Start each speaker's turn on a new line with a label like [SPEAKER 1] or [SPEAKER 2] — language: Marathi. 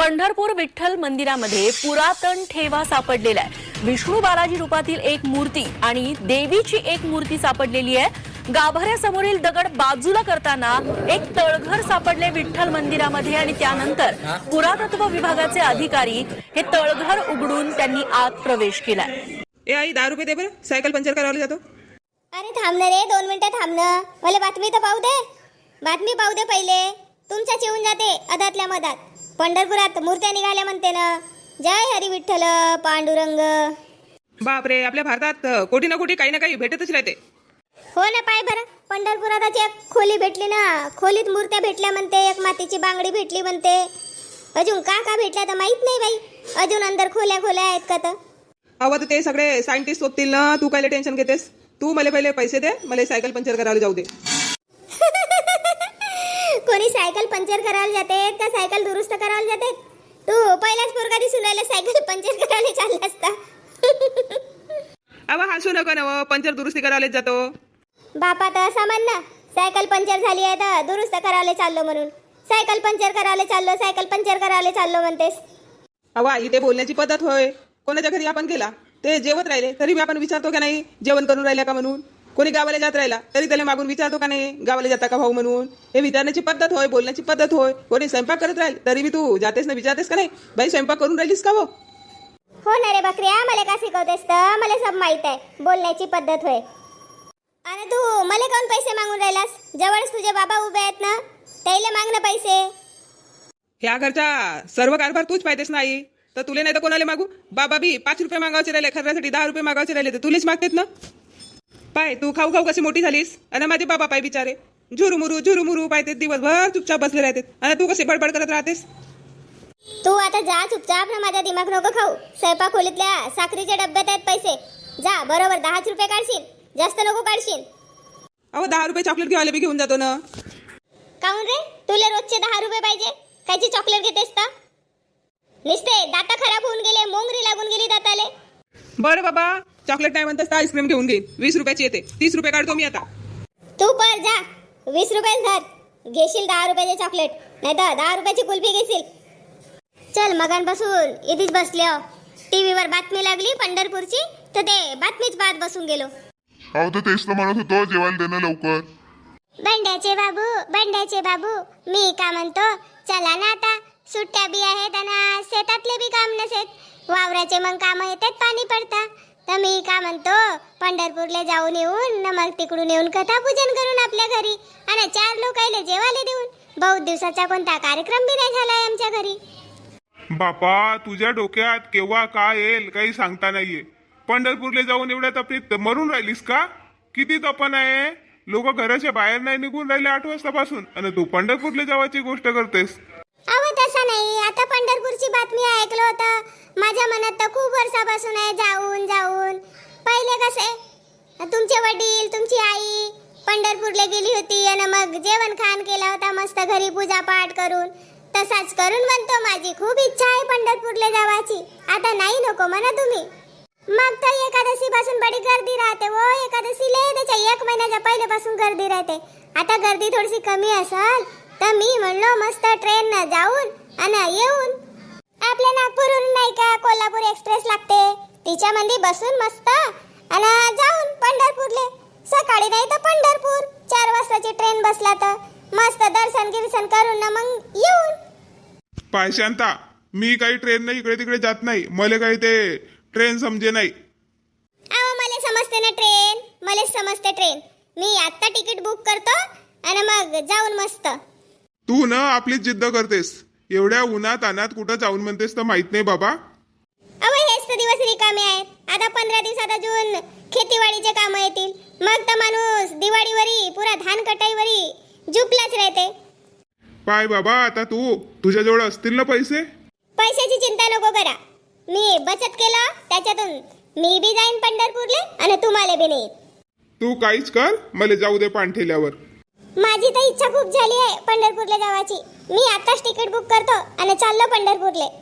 [SPEAKER 1] पंढरपूर विठ्ठल मंदिरामध्ये पुरातन ठेवा सापडलेला आहे। विष्णू बालाजी रूपातील एक मूर्ती आणि देवीची एक मूर्ती सापडलेली आहे। गाभाऱ्यासमोरील दगड बाजूला करताना एक तळघर सापडले विठ्ठल मंदिरामध्ये आणि त्यानंतर पुरातत्व विभागाचे अधिकारी हे तळघर उघडून त्यांनी आत प्रवेश केलाय।
[SPEAKER 2] ए आई 10 रुपये दे बरं, सायकल पंचर करायला जातो।
[SPEAKER 3] अरे थांब ना रे, 2 मिनिटं थांब ना, मला बातमी तर पाहू दे। बातमी पाहू दे पहिले, तुमच्याच येऊन जाते अदातल्या मधात। पंढरपुरात मूर्त्या निघाल्या म्हणते ना, जय हरी विठ्ठल पांडुरंग।
[SPEAKER 2] बापरे, आपल्या भारतात कोटी ना कोटी काही ना काही भेटतच राहते।
[SPEAKER 3] हो ना, पाय बरं, पंढरपुरात एक खोली भेटली ना, खोलीत मूर्त्या भेटल्या म्हणते, एक मातीची बांगडी भेटली म्हणते। अजून का भेटल्या तर माहित नाही बाई, अजून अंदर खोल्या आहेत का तर?
[SPEAKER 2] अहो तर ते सगळे सायंटिस्ट होतील ना, तू काय टेन्शन घेतेस? तू मला पहिले पैसे दे, मला सायकल पंचर करायला जाऊ दे।
[SPEAKER 3] कोणी सायकल पंचर करायला जाते का सायकल दुरुस्त करायला जाते? तू पहिलाच पोरगा दिसून राहिला सायकल पंचर करायला चालला असता।
[SPEAKER 2] अहो हसू नका ना, पंचर दुरुस्ती करायला जातो।
[SPEAKER 3] बापा तर असं म्हण ना, सायकल पंचर झाली आहे तर दुरुस्त करायला चाललो म्हणून। सायकल पंचर करायला चाललो, सायकल पंचर करायला चाललो म्हणतेस।
[SPEAKER 2] अहो आई, ते बोलण्याची पद्धत होय। कोणाच्या घरी आपण गेला ते जेवत राहिले तरी आपण विचारतो का नाही जेवण करून राहिल्या का म्हणून? कोणी गावाला जात राहिला तरी त्याला मागून विचारतो का नाही गावाला जाता का भाऊ म्हणून? हे विचारण्याची पद्धत होय, बोलण्याची पद्धत होय। कोणी स्वयंपाक करत राहील तरी तू जातेस ना, विचारतेस का नाही बाई स्वयंपाक करून राहिलीस का?
[SPEAKER 3] हो ना रे बकऱ्या, मला का शिकवतेस तर? मला सब माहित आहे, बोलण्याची पद्धत होय। आणि तू मला कोण पैसे मागून राहिलास? जवळच तुझे बाबा उभे आहेत ना, त्याला माग ना पैसे।
[SPEAKER 2] ह्या घरचा सर्व कारभार तूच पाहतेस नाही तर तुले नाही तर कोणाला मागू? बाबा बी 5 रुपये मागायचे राहिले, खर्चासाठी 10 रुपये मागायचे राहिले तर तुलेच मागतेत ना। पाय तू खाऊ खाऊ कशी मोठी झालीस, आणि माझे बाबा पाय बिचारे झुरुमुरू पाहतेत, दिवसभर चुपचाप बसले राहतेत, आणि तू कशी बडबड करत राहतेस?
[SPEAKER 3] तू आता जा चुपचाप ना, माझा दिमाग नको खाऊ। स्वयंपाक खोलीतल्या साखरीच्या डब्यात आहेत पैसे, जा बरोबर 10 रुपये काढशील, जास्त नको काढशील।
[SPEAKER 2] अहो 10 रुपये चॉकलेट घेवायला बी घेऊन जातो ना।
[SPEAKER 3] काऊन रे, तुला रोजचे 10 रुपये पाहिजे? कायची चॉकलेट घेतेस तर? निस्ते दाता खराब होऊन गेले, मोंगरी लागून गेली दाताले।
[SPEAKER 2] बरं बाबा, चॉकलेट नाही म्हणतेस तर आईस्क्रीम घेऊन घेईन, 20 रुपयाची येते, 30 रुपये काढतो मी आता।
[SPEAKER 3] तू पर जा, 20 रुपये धर, घेशील 10 रुपयाचे चॉकलेट, नाही तर 10 रुपयाची कुल्फी घेशील। चल मगांपासून इथेच बसले हो, टीव्हीवर बातमी लागली पंढरपूरची तर ते बातमीच पाहत बसून गेलो।
[SPEAKER 4] अहो तर तेच तर म्हणत होतो, जेवायला देणं लवकर।
[SPEAKER 3] बंड्याचे बाबू, मी का म्हणतो, चला ना आता, सुट्ट्या बी आहेत आणि शेतातले बी काम नसेत, वावराचे मग काम येतात, पाणी पडता, तर मी का म्हणतो पंढरपूरला जाऊन येऊन न मग तिकडून येऊन कथा पूजन करून आपल्या घरी आणि 4 लोकायला जेवायला देऊन। बहुत दिवसाचा कोणता कार्यक्रम बी नाही झालाय आमच्या घरी।
[SPEAKER 4] बापा, तुझ्या डोक्यात केव्हा काय येईल काही सांगता नाहीये। पंढरपूरला जाऊन एवढ्या तपलीत मरून राहिलीस का? किती तपन आहे, लोक घराच्या बाहेर नाही निघून राहिले 8 वाजतापासून, आणि तू पंढरपूरला जावायची गोष्ट करतेस।
[SPEAKER 3] अहो तसं नाही, आता पंढरपूरची बातमी ऐकलं होतं, माझ्या मनात तर खूप वर्षापासून आहे जाऊन। पहिले कसे तुमचे वडील तुमची आई पंढरपूरला गेली होती आणि मग जेवण खाण केला होता मस्त घरी पूजा पाठ करून, तसाच करून म्हणतो माझी खूप इच्छा आहे पंढरपूरला जावाची। आता नाही नको म्हणा तुम्ही। मग तर एकादशी पासून बडी गर्दी राहते वो, एकादशीला त्याच्या 1 महिन्याच्या पहिल्यापासून गर्दी राहते। आता गर्दी थोडीशी कमी असेल तर मी म्हणलो मस्त ट्रेन न जाऊन आणि येऊन, आपल्या नागपूरहून नाही का कोल्हापूर एक्सप्रेस लागते, तिच्यामध्ये बसून मस्त आणि जाऊन पंढरपूरले, सकाळी नाही तर पंढरपूर 4 वाजताची ट्रेन बसला तर मस्त दर्शन गिर्शन करून ना मग येऊन।
[SPEAKER 4] पाय शांता, मी काही ट्रेन नाही इकडे तिकडे जात नाही, मला काही ते ट्रेन समजे नाही।
[SPEAKER 3] अहो मला समजते ना ट्रेन, मला समजते ट्रेन, मी आता तिकीट बुक करतो आणि मग जाऊन मस्त।
[SPEAKER 4] तू ना आपलीच जिद्द करतेस, एवढ्या उन्हात अनात कुठं जाऊन म्हणतेस तर माहित नाही बाबा।
[SPEAKER 3] अहो हेच तर दिवस रिकामे आहेत, आता 15 दिवसात अजून खेतीवाडीचे काम येतील, मग तर माणूस दिवाळीवरी पुरा धान कटाईवरी झुपलाच राहते।
[SPEAKER 4] पाय बाबा, आता तुझ्याजवळ असतील ना पैसे?
[SPEAKER 3] पैशाची चिंता नको करा, मी बचत केलं त्याच्यातून मी बी जाईन पंढरपूरले आणि तुम्हाला बी नाही।
[SPEAKER 4] तू काहीच कर, मला जाऊ दे पाणठेल्यावर।
[SPEAKER 3] माझी तर इच्छा खूप झाली आहे पंढरपूरला जावाची, मी आताच तिकीट बुक करतो आणि चाललो पंढरपूरले।